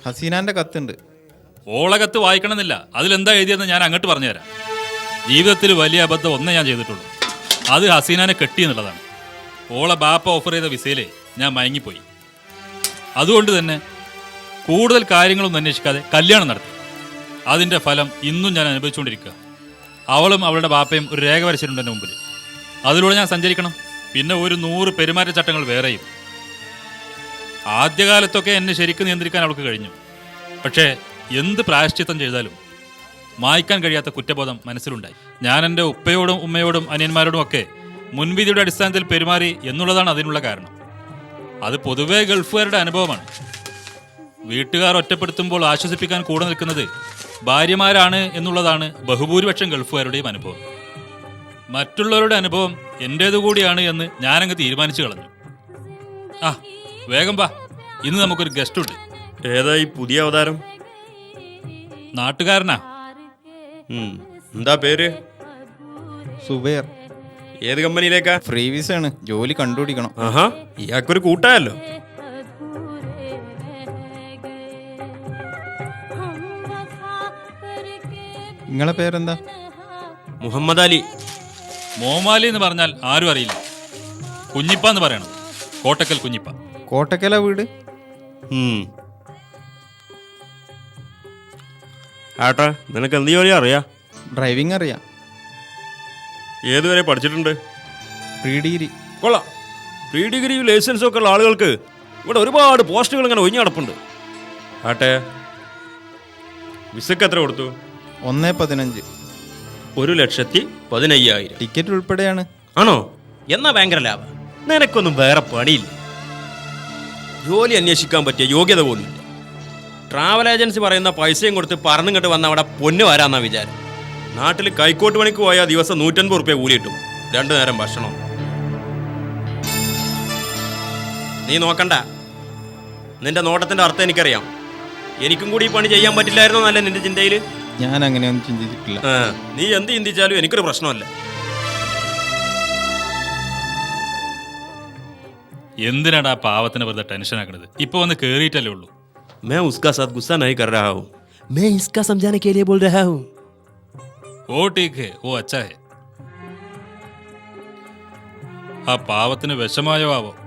ഹസീനാന്റെ കത്തുണ്ട്. ഓളെ കത്ത് വായിക്കണമെന്നില്ല. അതിലെന്താ എഴുതിയെന്ന് ഞാൻ അങ്ങോട്ട് പറഞ്ഞുതരാം. ജീവിതത്തിൽ വലിയ അബദ്ധം ഒന്നേ ഞാൻ ചെയ്തിട്ടുള്ളൂ. അത് ഹസീനാനെ കെട്ടിയെന്നുള്ളതാണ്. ഓളെ ബാപ്പ ഓഫർ ചെയ്ത വിസയിലേ ഞാൻ മയങ്ങിപ്പോയി. അതുകൊണ്ട് തന്നെ കൂടുതൽ കാര്യങ്ങളൊന്നും അന്വേഷിക്കാതെ കല്യാണം നടത്തി. അതിൻ്റെ ഫലം ഇന്നും ഞാൻ അനുഭവിച്ചുകൊണ്ടിരിക്കുക. അവളും അവളുടെ ബാപ്പയും ഒരു രേഖ വരച്ചിട്ടുണ്ട് എൻ്റെ മുമ്പിൽ. അതിലൂടെ ഞാൻ സഞ്ചരിക്കണം. പിന്നെ ഒരു 100 പെരുമാറ്റച്ചട്ടങ്ങൾ വേറെയും. ആദ്യകാലത്തൊക്കെ എന്നെ ശരിക്കും നിയന്ത്രിക്കാൻ അവൾക്ക് കഴിഞ്ഞു. പക്ഷേ എന്ത് പ്രായശ്ചിത്തം ചെയ്താലും മായ്ക്കാൻ കഴിയാത്ത കുറ്റബോധം മനസ്സിലുണ്ടായി. ഞാൻ എൻ്റെ ഉപ്പയോടും ഉമ്മയോടും അനിയന്മാരോടും ഒക്കെ മുൻവിധിയുടെ അടിസ്ഥാനത്തിൽ പെരുമാറി എന്നുള്ളതാണ് അതിനുള്ള കാരണം. അത് പൊതുവേ ഗൾഫുകാരുടെ അനുഭവമാണ്. വീട്ടുകാർ ഒറ്റപ്പെടുത്തുമ്പോൾ ആശ്വസിപ്പിക്കാൻ കൂടെ നിൽക്കുന്നത് ഭാര്യമാരാണ് എന്നുള്ളതാണ് ബഹുഭൂരിപക്ഷം ഗൾഫുകാരുടെയും അനുഭവം. മറ്റുള്ളവരുടെ അനുഭവം എൻ്റേതുകൂടിയാണ് എന്ന് ഞാനങ്ങ് തീരുമാനിച്ചു കളഞ്ഞു. ആ വേഗം വാ, ഇന്ന് നമുക്കൊരു ഗസ്റ്റ് ഉണ്ട്. ഏതാ ഈ പുതിയ അവതാരം? നാട്ടുകാരനാ. എന്താ പേര്? സുബൈർ. ഏത് കമ്പനിയിലേക്കാ? ഫ്രീ വിസ ആണ്, ജോലി കണ്ടുപിടിക്കണം. ആഹാ, ഇയാൾക്കൊരു കൂട്ടായല്ലോ. നിങ്ങളെ പേരെന്താ? മുഹമ്മദ് അലി. മോമാലി എന്ന് പറഞ്ഞാൽ ആരും അറിയില്ല. കുഞ്ഞിപ്പ എന്ന് പറയണം. കോട്ടക്കൽ കുഞ്ഞിപ്പ. കോട്ടക്കല വീട്? ആട്ടാ, നിനക്ക് എന്ത് ജോലി അറിയാ? ഡ്രൈവിംഗ് അറിയാം. ഏതുവരെ പഠിച്ചിട്ടുണ്ട്? Pre degree. കൊള്ളാം. പ്രീ ഡിഗ്രി ലൈസൻസും ഒക്കെ ഉള്ള ആളുകൾക്ക് ഇവിടെ ഒരുപാട് പോസ്റ്റുകൾ ഇങ്ങനെ ഒഴിഞ്ഞു കിടപ്പുണ്ട്. ആട്ടെ, വിസക്ക് എത്ര കൊടുത്തു? 1.15. 1,15,000. ടിക്കറ്റ് ഉൾപ്പെടെയാണ്. ആണോ? എന്നാ ഭയങ്കര ലാഭം. നിനക്കൊന്നും വേറെ പണിയില്ല. ജോലി അന്വേഷിക്കാൻ പറ്റിയ യോഗ്യത പോലുമില്ല. ട്രാവൽ ഏജൻസി പറയുന്ന പൈസയും കൊടുത്ത് പറന്നിങ്ങോട്ട് വന്ന അവിടെ പൊന്ന് വരാന്നാ വിചാരം. നാട്ടിൽ കൈക്കോട്ട് പണിക്ക് പോയാൽ ദിവസം 150 റുപ്യ കൂലി കിട്ടും. 2 നേരം ഭക്ഷണം. നീ നോക്കണ്ട. നിന്റെ നോട്ടത്തിന്റെ അർത്ഥം എനിക്കറിയാം. എനിക്കും കൂടി ഈ പണി ചെയ്യാൻ പറ്റില്ലായിരുന്നോ എന്നല്ല നിന്റെ ചിന്തയിൽ? ഞാൻ അങ്ങനെയൊന്നും ചിന്തിച്ചിട്ടില്ല. നീ എന്ത് ചിന്തിച്ചാലും എനിക്കൊരു പ്രശ്നമല്ല. എന്തിനാടാ പാവത്തിന് വെറുതെ ടെൻഷൻ ആക്കണത്? ഇപ്പൊ വന്ന് കേറിയിട്ടല്ലേ ഉള്ളൂ. मैं उसका साथ गुस्सा नहीं कर रहा हूँ. मैं इसका समझाने के लिए बोल रहा हूँ. ഓ ടീക്ക് ഹേ, ഓ അച്ഛാ ഹേ. ആ പാവത്തിന് വിഷമായോ ആവോ?